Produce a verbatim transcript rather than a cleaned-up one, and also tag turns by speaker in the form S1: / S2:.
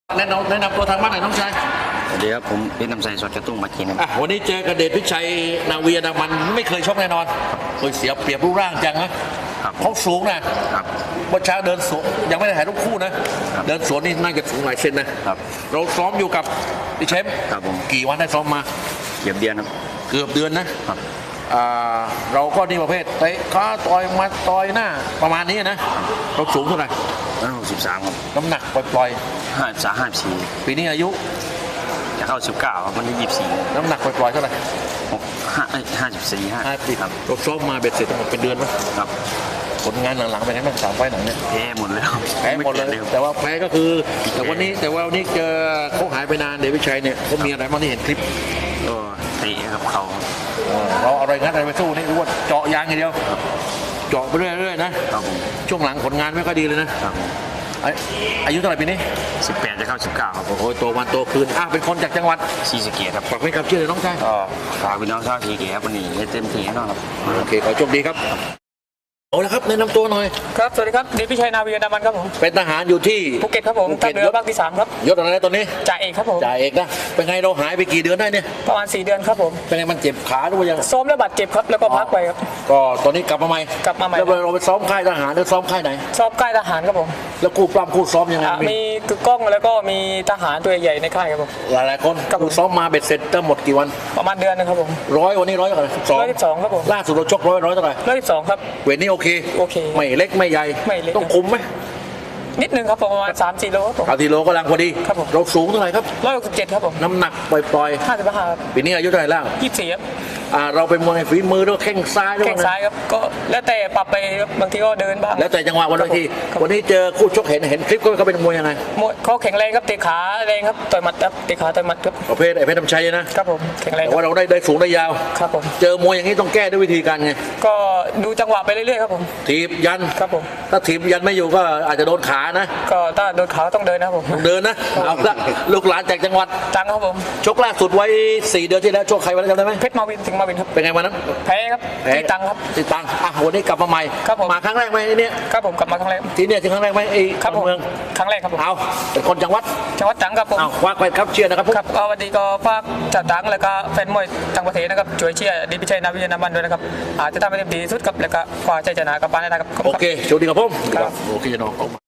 S1: แนะนำแนะนำตัวทางบ้านหน่อยน้องชาย
S2: สวัสดีครับผมเป็นน้ำใสสดกระตุ้งมากิน
S1: อ่ะวันนี้เจอกระเดชพิชัยนาวีนามันไม่เคยชกแน่นอนเคยเสียเปรียบรูปร่างจังนะเขาสูงนะครับวันเช้าเดินสวนยังไม่ได้ถ่ายรูปคู่นะเดินสวนนี่น่าจะสูงหลายเซนนะครับเราซ้อมอยู่กับพี่เชมป์
S2: ครับผม
S1: กี่วันได้ซ้อมมา
S2: เกือบเดือนครับ
S1: เกือบเดือนนะครับอ่าเราก็นี่ประเภทเตะขาต่อยมาต่อยหน้าประมาณนี้นะเราสูงเท่าไหร่
S2: ร้อยหกสิบสามครับ
S1: น้ำหนักปล่อย
S2: ห้าสามห้าสี่
S1: ปีนี้อายุ
S2: จะเข้าสิบเก้าครับวันนี้ยี่สิบสี่
S1: น้ำหนักปล่อยเท่าไหร่
S2: หกห้าห้าสิบสี่ห้า
S1: ปีครับเราซ้อมมาเบ็ดเสร็จทั้งหมดเป็นเดือนไหม
S2: ครับ
S1: ผลงานหลังๆเป็นไงบ้างสามไฟหนังเนี่ย
S2: แพ้หมดแล้ว
S1: แพ้หมดเลยแต่ว่าแพ้ก็คือแต่วันนี้แต่ว่าวันนี้เจอเขาหายไปนานเดชวิชัยเนี่ยเขามีอะไรบ้างที่เห็นคลิป
S2: ก็เตะกับเขา
S1: เราอะไรงั้นอะไรไปสู้นี่รู้ว่าเจาะยางอย่างเดียวเจาะไปเรื่อยๆนะช่วงหลังผลงานไม่ค่อยดีเลยนะอายุเท่าไหร่ปีนี้
S2: สิบแปดจะเข้าสิบเก้าครับ
S1: โอ้โหโตวันโตคืนอ่ะเป็นคนจากจังหวัด
S2: ศรีสะเกษครับ
S1: ฝากไว้กับชื่อเลยน้องชาย
S2: ก็ฝากพี่น้องชาวศรีสะเกษครับวันนี้เต็มที่แน่นอนครับ
S1: โอเคขอโชคดีครับเอาละครับแนะนำตัวหน่อย
S3: ครับสวัสดีครับเดชพิชัยนาวีนามันครับผม
S1: เป็นทหารอยู่ที่
S3: ภูเก็ตครับผมทัพเรือภาคที่สามครับ
S1: ยศอะไรตอนนี้
S3: จ่าเอกครับผม
S1: จ่าเอกนะเป็นไงเราหายไปกี่เดือนได้เนี่ย
S3: ประมาณสี่เดือนครับผม
S1: เป็นไงมันเจ็บขาหรือว่ายัง
S3: ซ้อมแล้วบาดเจ็บครับแล้วก็พักไปครับ
S1: ก็ตอนนี้กลับมาใหม่
S3: กลับมาใหม่
S1: แล้วเราไปซ้อมค่ายทหารหรือซ้อมค่ายไหน
S3: ซ้อมค่ายทหารครับผม
S1: แล้วคู่ปล้ำคู่ซ้อมยังไง
S3: มีกึกก้องแล้วก็มีทหารตัวใหญ่ในค่ายครับผม
S1: หลายๆคนคู่ซ้อมมาเบ็ดเสร็จทั้งหมดกี่วัน
S3: ประมาณเดือนนึงครับผม
S1: ร้อยวันนี้ร้อยเท่าไหร่
S3: ร้อยสิบสองครับผม
S1: ล่าสุดเราชกร้อยร้อยเท่าไหร่
S3: ร้อยสิบสองครับ
S1: เวทนี้โอเค
S3: โอเค
S1: ไม่เล็กไม่ใหญ่ต้องคุมไหม
S3: นิดนึงครับประมาณสามสี่โลครับผม
S1: สามสี่โลก็ลังพอดี
S3: ครับผม
S1: เราสูงเท่าไหร่ครับ
S3: ร้อยหกสิบเจ็ดครับผม
S1: น้ำหนักปล่อย
S3: ๆห้าสิบห้าครับ
S1: ปีนี้อายุเท่าไหร่แล้ว
S3: ยี่สิบสี่ครับ
S1: อ่าเราเป็นมวยฝีมือด้วยแข้งซ้ายด้วย
S3: แข้งซ้ายครับก็แล้วแต่ปรับไปบางทีก็เดินบ้าง
S1: แล้วแต่จังหวะวันทีวันนี้เจอคู่ชกเห็นเห็นคลิปก็เขาเป็นมวยยังไง
S3: มวยเขาแข็งแรงครับเตะขาแรงครับต่อยหมัดครับเตะขาต่อยหมัดครับ
S1: ประเภทไอ้เพชรน้ำชัยนะครับ
S3: ผมแข็งแรง
S1: แต่ว่าเราได้ได้สูงได้ยาว
S3: ครับผม
S1: เจอมวยอย่างนี้ต้องแก้ด้วยวิธีการไง
S3: ก็ดูจังหวะไปเรื่อยๆครับผม
S1: ถีบยัน
S3: ครับผม
S1: ถ้าถีบยันไม่อยู่ก็อาจจะโดนขานะ
S3: ก็ถ้าโดนขาต้องเดินนะผม
S1: ต้องเดินนะเอาละลูกหลานจากจังหวัด
S3: จังครับผม
S1: ชกล่าสุดไว้สี่เดือนที่แล้วชกใครไว้จำได้ไหม
S3: เพชรมาวินถึงมาวินครับ
S1: เป็นไงวันนั้น
S3: แพ้ครับตีตังครับ
S1: ตีตังอ่ะวันนี้กลับมาใหม่
S3: ครับผม
S1: มาครั้งแรกไหมเนี่ย
S3: ครับผมกลับมาครั้งแรก
S1: ที่เนี่ยที่ครั้งแรกไหมไอ้
S3: ครับผม
S1: เมือง
S3: ครั้งแรกครับผม
S1: เอาเป็นคนจังหวัด
S3: จังหวัดจังครับผม
S1: เอาควักไปครับเชียร์นะครับ
S3: ครับก็วันนี้ก็ฝากจัดตังแล้วก็แฟนมวยต่างประเทศนะครับช่วยเชียร์เดชพิชัยนาวีนามันด้วยนะครับอาจจะทำให้เต็มที่สุดครับแล้วก็คว้าชัยชนะกลับบ้านได้นะครับ
S1: โอเคโชคดีครับผมโอเคน้อง